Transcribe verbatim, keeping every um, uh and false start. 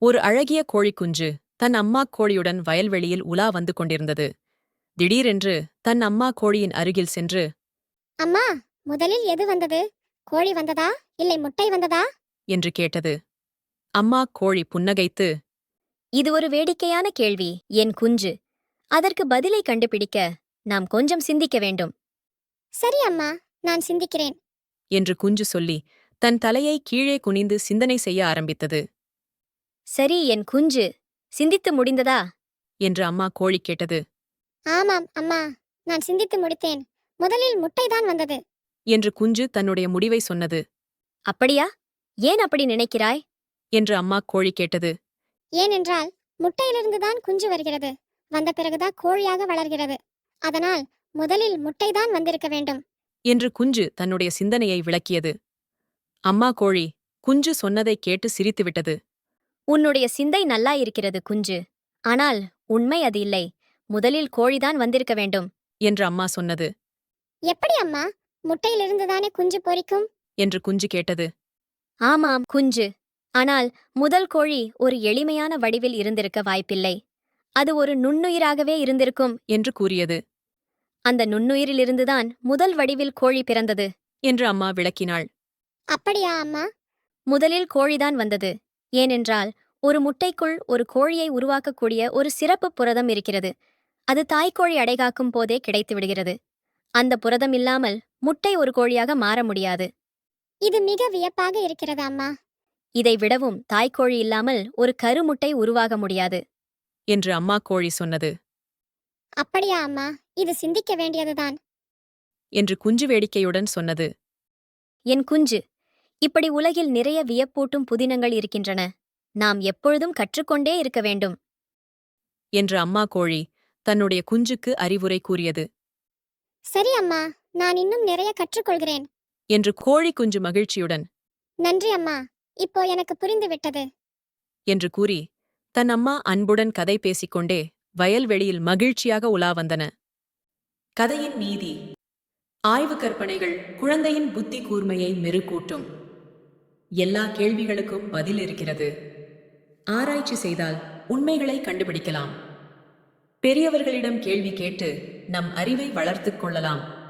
ஒரு அழகிய கோழிக்குஞ்சு தன் அம்மா கோழியுடன் வயல்வெளியில் உலா வந்து கொண்டிருந்தது. திடீரென்று தன் அம்மா கோழியின் அருகில் சென்று, அம்மா, முதலில் எது வந்தது? கோழி வந்ததா இல்லை முட்டை வந்ததா? என்று கேட்டது. அம்மா கோழி புன்னகைத்து, இது ஒரு வேடிக்கையான கேள்வி, என் குஞ்சு. அதற்கு பதிலை கண்டுபிடிக்க நாம் கொஞ்சம் சிந்திக்க வேண்டும். சரி அம்மா, நான் சிந்திக்கிறேன். என்று குஞ்சு சொல்லி தன் தலையை கீழே குனிந்து சிந்தனை செய்ய ஆரம்பித்தது. சரி என் குஞ்சு, சிந்தித்து முடிந்ததா? என்று அம்மா கோழி கேட்டது. ஆமாம் அம்மா, நான் சிந்தித்து முடித்தேன். முதலில் முட்டைதான் வந்தது. என்று குஞ்சு தன்னுடைய முடிவை சொன்னது. அப்படியா? ஏன் அப்படி நினைக்கிறாய்? என்று அம்மா கோழி கேட்டது. ஏனென்றால் முட்டையிலிருந்துதான் குஞ்சு வருகிறது. வந்த பிறகுதான் கோழியாக வளர்கிறது. அதனால் முதலில் முட்டைதான் வந்திருக்க வேண்டும். என்று குஞ்சு தன்னுடைய சிந்தனையை விளக்கியது. அம்மா கோழி குஞ்சு சொன்னதைக் கேட்டு சிரித்துவிட்டது. உன்னுடைய சிந்தை நல்லா இருக்கிறது குஞ்சு. ஆனால் உண்மை அது இல்லை. முதலில் கோழிதான் வந்திருக்க வேண்டும். என்று அம்மா சொன்னது. எப்படி அம்மா? முட்டையிலிருந்துதானே குஞ்சு பொரிக்கும்? என்று குஞ்சு கேட்டது. ஆமாம் குஞ்சு. ஆனால் முதல் கோழி ஒரு எளிமையான வடிவில் இருந்திருக்க வாய்ப்பில்லை. அது ஒரு நுண்ணுயிராகவே இருந்திருக்கும். என்று கூறியது. அந்த நுண்ணுயிரிலிருந்துதான் முதல் வடிவில் கோழி பிறந்தது. என்று அம்மா விளக்கினாள். அப்படியா அம்மா? முதலில் கோழிதான் வந்தது. ஏனென்றால் ஒரு முட்டைக்குள் ஒரு கோழியை உருவாக்கக்கூடிய ஒரு சிறப்பு புரதம் இருக்கிறது. அது தாய்க்கோழி அடைகாக்கும் போதே கிடைத்து விடுகிறது. அந்த புரதம் இல்லாமல் முட்டை ஒரு கோழியாக மாற முடியாது. இது மிக வியப்பாக இருக்கிறது அம்மா. இதை விடவும் தாய்க்கோழி இல்லாமல் ஒரு கருமுட்டை உருவாக முடியாது. என்று அம்மா கோழி சொன்னது. அப்படியா அம்மா? இது சிந்திக்க வேண்டியதுதான். என்று குஞ்சு வேடிக்கையுடன் சொன்னது. என் குஞ்சு, இப்படி உலகில் நிறைய வியப்பூட்டும் புதினங்கள் இருக்கின்றன. நாம் எப்பொழுதும் கற்றுக்கொண்டே இருக்க வேண்டும். என்று அம்மா கோழி தன்னுடைய குஞ்சுக்கு அறிவுரை கூறியது. சரி அம்மா, நான் இன்னும் நிறைய கற்றுக்கொள்கிறேன். என்று கோழி குஞ்சு மகிழ்ச்சியுடன், நன்றி அம்மா, இப்போ எனக்கு புரிந்து விட்டது. என்று கூறி தன் அம்மா அன்புடன் கதை பேசிக்கொண்டே வயல்வெளியில் மகிழ்ச்சியாக உலா வந்தன. கதையின் நீதி. ஆய்வு கற்பனைகள் குழந்தையின் புத்தி கூர்மையை மெருகூட்டும். எல்லா கேள்விகளுக்கும் பதில் இருக்கிறது. ஆராய்ச்சி செய்தால் உண்மைகளை கண்டுபிடிக்கலாம். பெரியவர்களிடம் கேள்வி கேட்டு நம் அறிவை வளர்த்துக் கொள்ளலாம்.